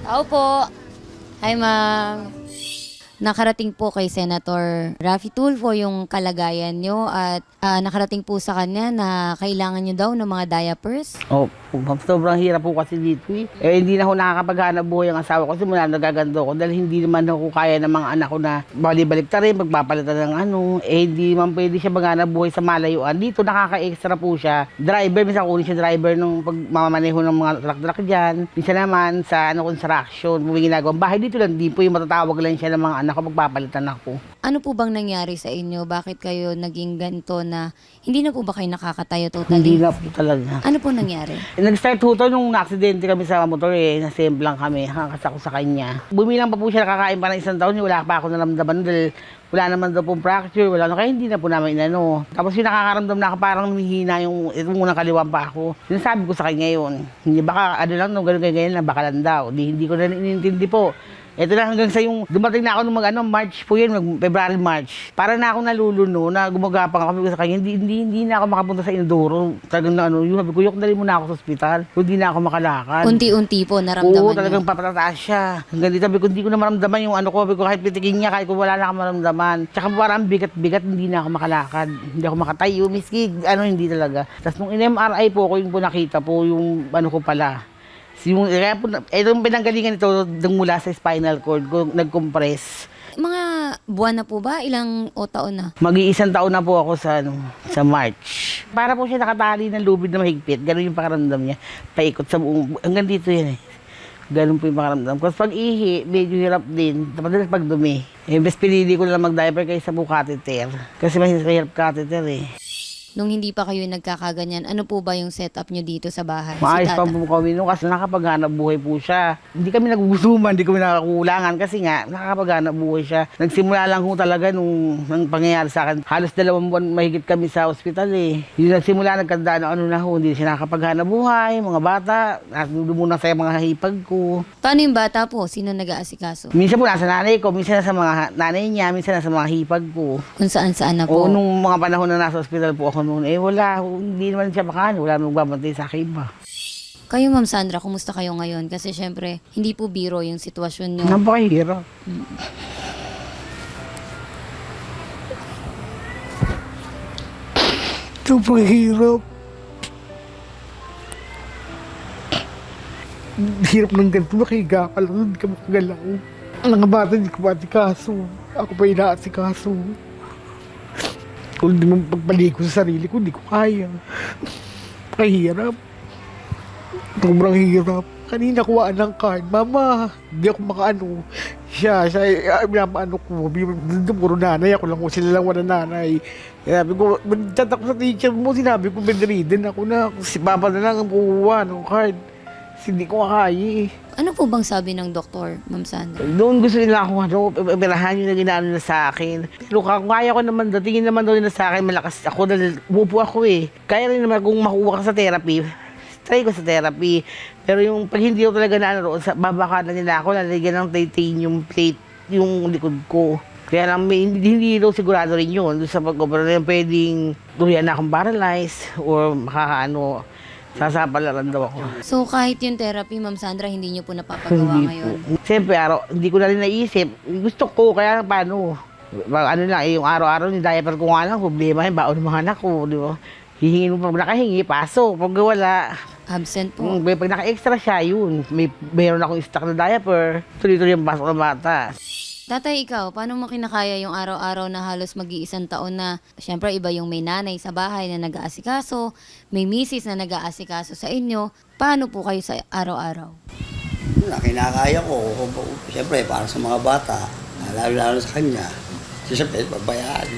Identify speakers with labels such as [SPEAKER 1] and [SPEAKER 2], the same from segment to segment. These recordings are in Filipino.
[SPEAKER 1] Tao po. Hi, ma'am. Nakarating po kay Senator Raffy Tulfo yung kalagayan nyo at nakarating po sa kanya na kailangan nyo daw ng mga diapers.
[SPEAKER 2] Oh, sobrang hirap po kasi dito eh. Hindi na ako nakakapaghanap buhay ang asawa ko kasi mula nagagando ko dahil hindi naman ako kaya ng mga anak ko na balik ta rin, magpapalitan ng ano. Hindi naman pwede siya maghanap buhay sa malayuan. Dito nakaka-extra po siya. Driver, minsan kunin siya driver nung pagmamaneho ng mga truck-truck dyan. Minsan naman sa construction, may ginagawang bahay dito lang. Di po yung matatawag lang siya ng mga anak ko, magpapalitan ako.
[SPEAKER 1] Ano po bang nangyari sa inyo? Bakit kayo naging ganito na hindi na po ba kayo nakakatayo totally?
[SPEAKER 2] Hindi na po talaga.
[SPEAKER 1] Ano po nangyari?
[SPEAKER 2] Nag-start ho to nung na-aksidente kami sa motor nasemplang kami, hakakas ako sa kanya. Bumilang pa po siya nakakain pa ng 1 taon, wala pa ako naramdaman dahil wala naman daw pong fracture, wala kaya hindi na po namin inano. Tapos yung nakakaramdam na ako parang humihina itong unang kaliwang pa ako. Sinasabi ko sa kanya yun, hindi baka ano lang, ganun ganyan lang, baka lang daw. Hindi ko na inintindi po. Ito na hanggang sa yung dumating na ako nung March po yun, February, March. Para na ako naluluno na gumagapang ako sa kanya. Hindi na ako makapunta sa Indoro. Talagang na yung sabi ko, yok dali muna ako sa ospital. Hindi na ako makalakad.
[SPEAKER 1] Unti-unti po naramdaman
[SPEAKER 2] Oo, talagang papatataas siya. Hanggang dito sabi ko, hindi ko na maramdaman yung ano ko. Sabi ko, kahit pitikin niya, kahit ko wala na ako maramdaman. Tsaka parang bigat-bigat, hindi na ako makalakad. Hindi ako makatayo, miski, hindi talaga. Tapos nung in-MRI po ko yung po nakita po yung ano ko pala. Kaya po, itong pinanggalingan ito mula sa spinal cord ko, nag-compress.
[SPEAKER 1] Mga buwan na po ba? Ilang taon na?
[SPEAKER 2] Mag-1 taon na po ako sa March. Para po siya nakatali ng lubid na mahigpit. Ganun yung pakaramdam niya. Paikot sa buong, hanggang dito yan eh. Ganun po yung pakaramdam. Kasi pag ihi, medyo hirap din. Madalas pag dumi. Best pinili ko na mag-diaper kaysa po catheter. Kasi mahirap catheter eh.
[SPEAKER 1] Nung hindi pa kayo nagkakaganyan, ano po ba yung setup nyo dito sa bahay?
[SPEAKER 2] Maayos pa po kami nung kasi nakapaghanap buhay po siya. Hindi kami nagugusuman, hindi kami nakakulangan kasi nga nakakapaghanap buhay siya. Nagsimula lang ho talaga nung pangyayari sa akin. Halos 2 buwan mahigit kami sa ospital eh. Yung nagsimula, nagkanda na ano na ho, hindi siya nakakapaghanap buhay, mga bata, muna sa mga hipag ko.
[SPEAKER 1] Paano yung bata po? Sino nag-aasikaso?
[SPEAKER 2] Minsan po nasa nanay ko, minsan nasa mga nanay niya, minsan nasa mga hipag ko.
[SPEAKER 1] Kung saan-saan na po?
[SPEAKER 2] O nung mga panahon na nasa ospital po ako noon, wala, hindi naman siya makaano, wala nang magbabantay sa akin ba.
[SPEAKER 1] Kayo, Ma'am Sandra, kumusta kayo ngayon? Kasi syempre, hindi po biro yung sitwasyon nyo.
[SPEAKER 2] Napakahirap. Sobrang hirap. Hirap ng ganito, nakahiga ka lang, hindi ka makagalaw. Ang mga bata, hindi ko maasikaso. Ako pa inaasikaso. Kung hindi mo pagpaligo sa sarili ko, hindi ko kaya. Kahirap. Sobrang hirap. Kanina kuhaan ng card, Mama, hindi ako makaano. Siya, minapaano ko. Puro nanay, ako lang ko, sila lang wala nanay. Sabi ko, chat ako sa teacher mo, sinabi ko, bedridden ako na. Si Papa na lang ang kuha ng card. Hindi ko kaya eh.
[SPEAKER 1] Ano po bang sabi ng doktor, Ma'am Sandra?
[SPEAKER 2] Doon gusto nila ako, operahan yung na ginano na sa akin. Pero kung kaya ko naman daw, tingin naman daw nila sa akin, malakas ako dahil umupo ako eh. Kaya rin naman kung makuha ka sa therapy, try ko sa therapy. Pero yung pag hindi ko talaga na ano, babaka na nila ako, lalagyan ng titanium plate yung likod ko. Kaya lang, hindi daw sigurado rin yun. Doon sa pag-opera na yun, pwedeng tuloyan na akong paralyzed or makakaano, sasapalaran daw ako.
[SPEAKER 1] So kahit yung therapy, Ma'am Sandra, hindi nyo po napapagawa ngayon?
[SPEAKER 2] Siyempre, hindi ko na rin naisip. Gusto ko, kaya paano? Ano lang, yung araw-araw, yung diaper ko nga lang, problema yung baon ng mga anak ko, di ba? Hihingin mo pag nakahingi, pasok. Pag wala,
[SPEAKER 1] Absent po.
[SPEAKER 2] pag naka-extra siya, yun. Mayroon akong stock na diaper. Tuloy-tuloy yung pasok ng bata.
[SPEAKER 1] Tatay, ikaw, paano mo kinakaya yung araw-araw na halos mag-1 taon na, syempre iba yung may nanay sa bahay na nag-aasikaso, may misis na nag-aasikaso sa inyo, paano po kayo sa araw-araw?
[SPEAKER 3] Kinakaya ko, siyempre para sa mga bata, lalo sa kanya, siyempre babayaan.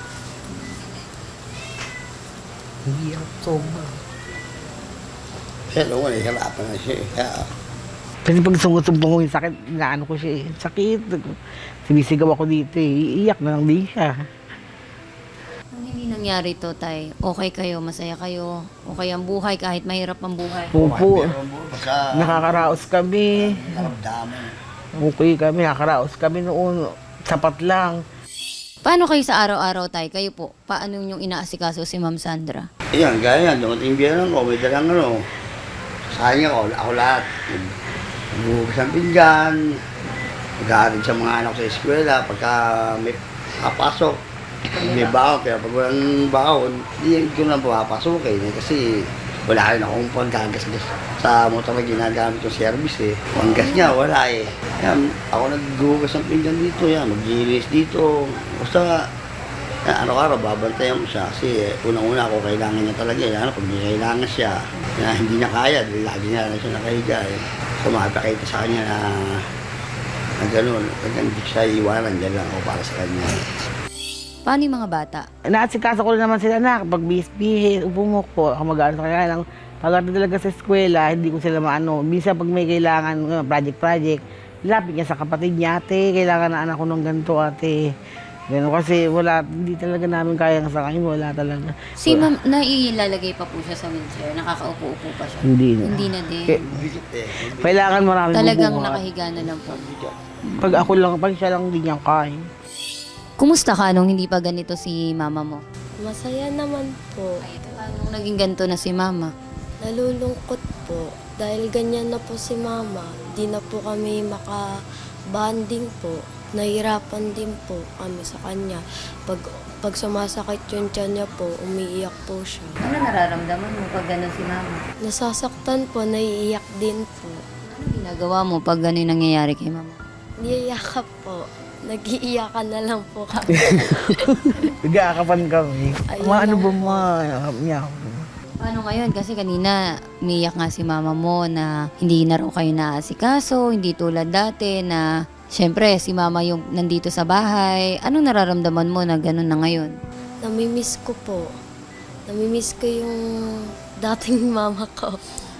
[SPEAKER 2] Hindi ako sobra.
[SPEAKER 3] Kaya naman, hirapan na siya. Kaya,
[SPEAKER 2] Kasi pag sumusumbong ko yung sakit, inaano ko siya eh. Sakit. Sinisigaw ako dito eh. Iiyak na lang din siya.
[SPEAKER 1] Kung hindi nangyari to, Tay, okay kayo, masaya kayo, okay ang buhay kahit mahirap ang buhay?
[SPEAKER 2] Opo.
[SPEAKER 3] basta
[SPEAKER 2] Nakakaraos kami.
[SPEAKER 3] naramdaman.
[SPEAKER 2] Okay kami, nakakaraos kami noon. Sapat lang.
[SPEAKER 1] Paano kayo sa araw-araw, Tay? Kayo po, paano yung inaasikaso si Ma'am Sandra?
[SPEAKER 3] Ayan, gaya yan, dumating biyan ko, may dalang ano. Sayang ako lahat. Naghuhugas ng pinggan, nag-aaral sa mga anak sa eskwela, pagka may papasok, may baon, kaya pag walang baon, hindi ko na papasukin kasi wala rin akong panggagas-gas sa motor na ginagamit yung service eh. Panggas niya, wala eh. Yan, ako naghuhugas ng pinggan dito, yan, mag-gilis dito. Basta, araw-araw babantayan mo siya kasi unang-una ako kailangan niya talaga eh. Pag may kailangan siya, na hindi niya kaya, dahil lagi niya lang siya nakahiga eh. So makapakita sa kanya na gano'n, hindi siya iwanan, dyan lang ako para sa kanya.
[SPEAKER 1] Paano yung mga bata?
[SPEAKER 2] Naasikaso ko rin naman sila na kapag bihis, upo mo ko, ako mag-ano sa kanya lang. Pagdating talaga sa eskwela, hindi ko sila maano. Minsan pag may kailangan, project, lapit niya sa kapatid niya, ate, kailangan na anak ko ng ganito, ate. Ganun kasi wala, hindi talaga namin kaya sa kanya, wala talaga.
[SPEAKER 1] Si ma'am, nailalagay pa po siya sa wheelchair? Nakakaupo-upo pa siya?
[SPEAKER 2] Hindi na.
[SPEAKER 1] Hindi na din.
[SPEAKER 3] Bigit eh.
[SPEAKER 2] Kailangan marami
[SPEAKER 1] Talagang
[SPEAKER 2] bubuhat.
[SPEAKER 1] nakahiga na lang po.
[SPEAKER 2] Pag ako lang, pag siya lang, hindi niya kaya.
[SPEAKER 1] Kumusta ka nung hindi pa ganito si mama mo?
[SPEAKER 4] Masaya naman po.
[SPEAKER 1] Nung naging ganito na si mama?
[SPEAKER 4] Nalulungkot po. Dahil ganyan na po si mama, di na po kami maka-bonding po. Nahirapan din po kami sa kanya. Pag sumasakit yung tiyan niya po, umiiyak po siya.
[SPEAKER 1] Ano nararamdaman mo pag gano'n si mama?
[SPEAKER 4] Nasasaktan po, naiiyak din po.
[SPEAKER 1] Ano ginagawa mo pag gano'n yung nangyayari kay mama?
[SPEAKER 4] Niyayakap po. Nag-iiyakan na lang po kami.
[SPEAKER 2] Nag-aakapan kami.
[SPEAKER 4] Ayun
[SPEAKER 2] Ano
[SPEAKER 4] lang
[SPEAKER 2] ba
[SPEAKER 4] po.
[SPEAKER 2] niya?
[SPEAKER 1] Paano ngayon? Kasi kanina, umiyak nga si mama mo na hindi na raw kayo naasikaso, hindi tulad dati na syempre si mama yung nandito sa bahay. Anong nararamdaman mo na gano'n na ngayon?
[SPEAKER 4] Namimiss ko po. Namimiss ko yung dating mama ko.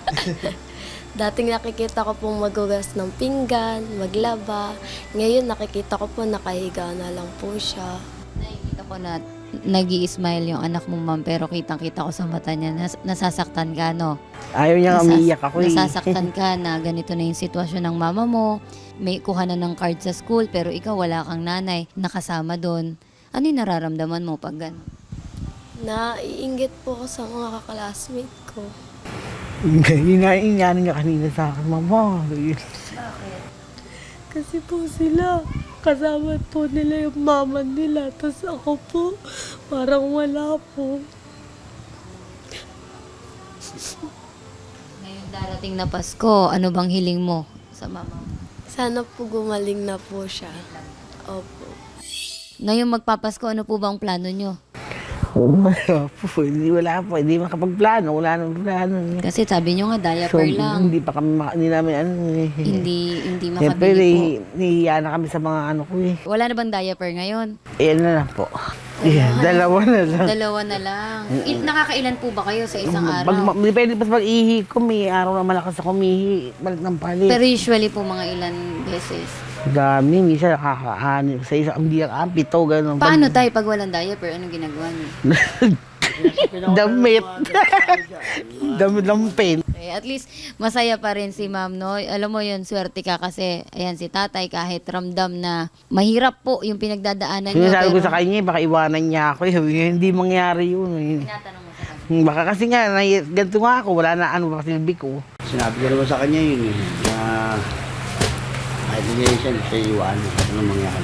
[SPEAKER 4] Dating nakikita ko pong magugas ng pinggan, maglaba. Ngayon nakikita ko po nakahiga na lang po siya.
[SPEAKER 1] Nakikita ko na nag-i-smile yung anak mong ma'am pero kitang-kita ko sa mata niya nasasaktan ka, no?
[SPEAKER 2] Ayaw niya nga umiiyak ako eh.
[SPEAKER 1] Nasasaktan ka na ganito na yung sitwasyon ng mama mo. May kuha na ng card sa school pero ikaw wala kang nanay nakasama doon. Ano yung nararamdaman mo pag gano'n?
[SPEAKER 4] Naiinggit po ako sa mga kaklasmate ko.
[SPEAKER 2] Hinaingyanin niya kanina sa akin, mama.
[SPEAKER 4] Kasi po sila, kasama po nila yung mama nila. Tapos ako po, parang wala po.
[SPEAKER 1] Ngayong darating na Pasko, ano bang hiling mo sa mama mo?
[SPEAKER 4] Sana po gumaling na po siya. Opo.
[SPEAKER 1] Ngayong magpapasko, ano po bang plano nyo?
[SPEAKER 2] Wala po, hindi makapagplano, wala nang plano.
[SPEAKER 1] Kasi sabi nyo nga, diaper lang.
[SPEAKER 2] Hindi pa kami, hindi namin ano eh.
[SPEAKER 1] Hindi
[SPEAKER 2] Siyempre,
[SPEAKER 1] makabili po.
[SPEAKER 2] nahihiya na kami sa mga ano ko eh.
[SPEAKER 1] Wala na bang diaper ngayon?
[SPEAKER 2] Ayan na lang po. Yeah, dalawa na lang.
[SPEAKER 1] Dalawa na lang. Nakakailan po ba kayo sa isang araw?
[SPEAKER 2] Depende pa sa pag-ihi ko, may araw na malakas ako umihi, balik ng palit.
[SPEAKER 1] Pero usually po mga ilan beses.
[SPEAKER 2] Dami, minsan nakakaano, sa isang hindi ang pito, gano'n.
[SPEAKER 1] Paano tayo pag walang diaper? Anong ginagawa niyo?
[SPEAKER 2] Damit. Damit ng pen.
[SPEAKER 1] Okay, at least masaya pa rin si ma'am, no? Alam mo yun, swerte ka kasi, ayan si tatay, kahit ramdam na mahirap po yung pinagdadaanan niyo.
[SPEAKER 2] Sinasabi ko sa kanya, baka iwanan niya ako. Sabi niya, hindi mangyari yun.
[SPEAKER 1] Tinatanong mo sa kanya.
[SPEAKER 2] Baka kasi nga, ganito nga ako, wala na ano, baka silbi ko.
[SPEAKER 3] Sinabi ko naman sa kanya yun eh, na kahit hindi siya iwanan, ano mangyari.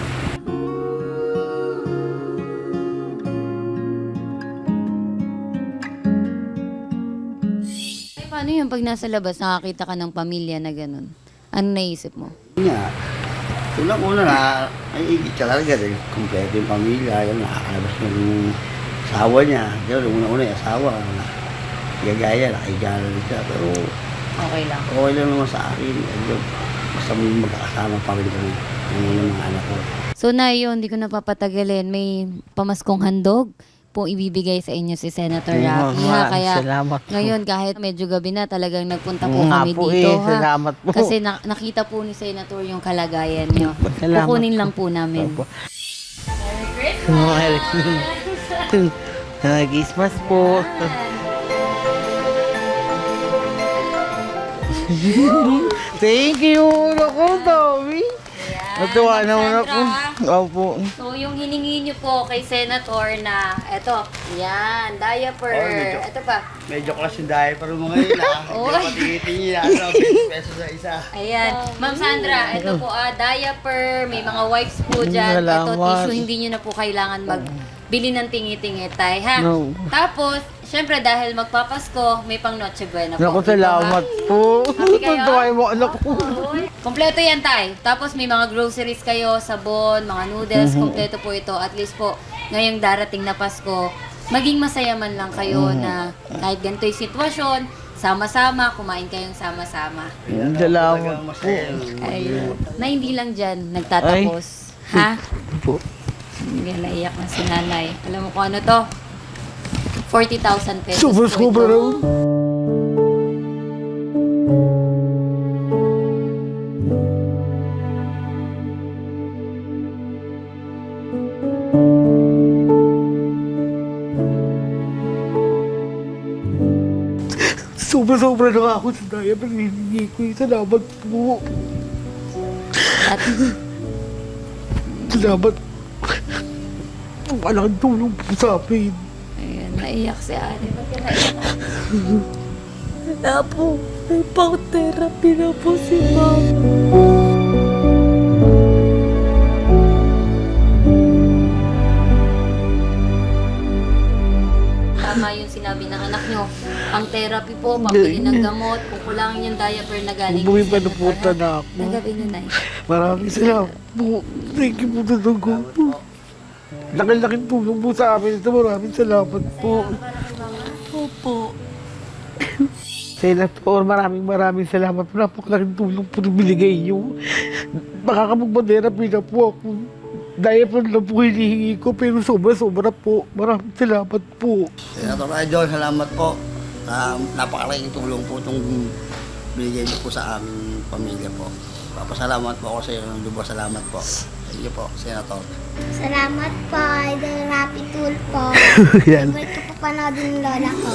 [SPEAKER 1] Ay, paano yun pag nasa labas, nakakita ka ng pamilya na ganun? Ano naisip mo?
[SPEAKER 3] Nga, unang-una na, ay igit ka talaga dahil kumpleto yung pamilya, yun, nakakalabas mo yung asawa niya. Yun, unang-una yung asawa, gagaya, nakahiga na rin siya. Pero
[SPEAKER 1] Okay lang.
[SPEAKER 3] okay lang naman sa akin. Ayun, basta magkakasama pa rin kami ng mga anak ko.
[SPEAKER 1] So na yun, hindi ko napapatagalin. May pamaskong handog po ibibigay sa inyo si Senator Raffy. Ha? Kaya
[SPEAKER 2] Salamat po.
[SPEAKER 1] ngayon kahit medyo gabi na talagang nagpunta po
[SPEAKER 2] Nga
[SPEAKER 1] kami
[SPEAKER 2] po
[SPEAKER 1] dito.
[SPEAKER 2] eh,
[SPEAKER 1] Ha?
[SPEAKER 2] salamat po.
[SPEAKER 1] Kasi nakita po ni Senator yung kalagayan nyo.
[SPEAKER 2] Salamat
[SPEAKER 1] Kukunin lang po namin.
[SPEAKER 2] Opo. Merry Christmas. Merry Christmas po. Thank you. Naku, Tommy. Natuwa naman ako.
[SPEAKER 1] Sandra.
[SPEAKER 2] Opo.
[SPEAKER 1] So, yung hiningi niyo po kay Senator na, eto, yan, diaper.
[SPEAKER 3] Oh, medyo.
[SPEAKER 1] Ito pa.
[SPEAKER 3] Medyo class yung diaper mo ngayon ah.
[SPEAKER 1] Oo.
[SPEAKER 3] Hindi patigitin niya. 20 pesos sa isa.
[SPEAKER 1] Ayan. Ma'am Sandra, ito po, diaper, may mga wipes po dyan. Ito,
[SPEAKER 2] Salamat.
[SPEAKER 1] tissue, hindi nyo na po kailangan magbili ng tingi-tingi, tay, ha?
[SPEAKER 2] No.
[SPEAKER 1] Tapos, syempre, dahil magpapasko, may pang Noche Buena po.
[SPEAKER 2] Naku,
[SPEAKER 1] Dito,
[SPEAKER 2] salamat
[SPEAKER 1] ha?
[SPEAKER 2] po.
[SPEAKER 1] Happy kayo?
[SPEAKER 2] Tuwa mo, anak ko.
[SPEAKER 1] Oy. Kompleto yan, tay. Tapos may mga groceries kayo, sabon, mga noodles, kompleto po ito. At least po, ngayong darating na Pasko, maging masaya man lang kayo na kahit ganito yung sitwasyon, sama-sama, kumain kayong sama-sama.
[SPEAKER 2] Salamat
[SPEAKER 3] Talagang
[SPEAKER 2] po.
[SPEAKER 3] masaya.
[SPEAKER 1] Ayun. Na hindi lang dyan nagtatapos. Ha?
[SPEAKER 2] Po.
[SPEAKER 1] Hindi, naiyak na si nanay. Alam mo kung ano to? 40,000 pesos
[SPEAKER 2] Super,
[SPEAKER 1] po
[SPEAKER 2] super.
[SPEAKER 1] ito.
[SPEAKER 2] Sobra-sobra na ako sa diaper. Hindi ko. Salamat po.
[SPEAKER 1] At
[SPEAKER 2] Salamat. Malaking tulong po sa amin.
[SPEAKER 1] ayun, naiyak si Ate. Ba't ka naiyak?
[SPEAKER 4] Wala po. May pang-therapy na po si Mama.
[SPEAKER 1] Tama yung sinabi ng anak nyo. Ang therapy po, pambili ng gamot, kukulangin yung diaper na galing.
[SPEAKER 2] Bumi
[SPEAKER 1] kay
[SPEAKER 2] pa na
[SPEAKER 1] Senator,
[SPEAKER 2] po
[SPEAKER 1] ha?
[SPEAKER 2] na ako.
[SPEAKER 1] Nagabi nyo na
[SPEAKER 2] Maraming salamat po. Thank you po talaga po. Laking-laking tulong po sa amin ito. Maraming salamat po.
[SPEAKER 4] Opo.
[SPEAKER 2] Senator, maraming salamat po. Napakalaking tulong po na binigay niyo. Makakapagpa-therapy na po ako. Diaper na po hinihingi ko pero sobra-sobra po. Maraming salamat po.
[SPEAKER 3] Senator Idol, salamat po. Napakalaking tulong po itong binigay niyo po sa aming pamilya po. Papasalamat po ako sa iyo ng lubos. Salamat po. Thank you po, Senator.
[SPEAKER 5] Salamat po, Idol Rapid Tool po.
[SPEAKER 2] Yan.
[SPEAKER 5] Favorite ko po panoodin ng lola ko.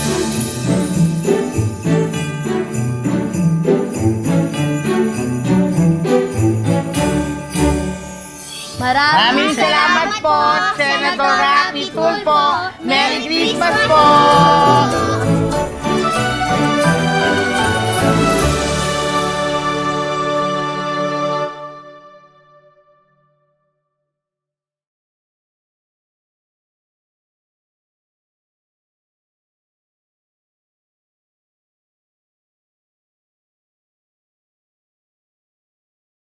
[SPEAKER 2] Maraming salamat po, Senator Rapi Tulfo. Merry Christmas po!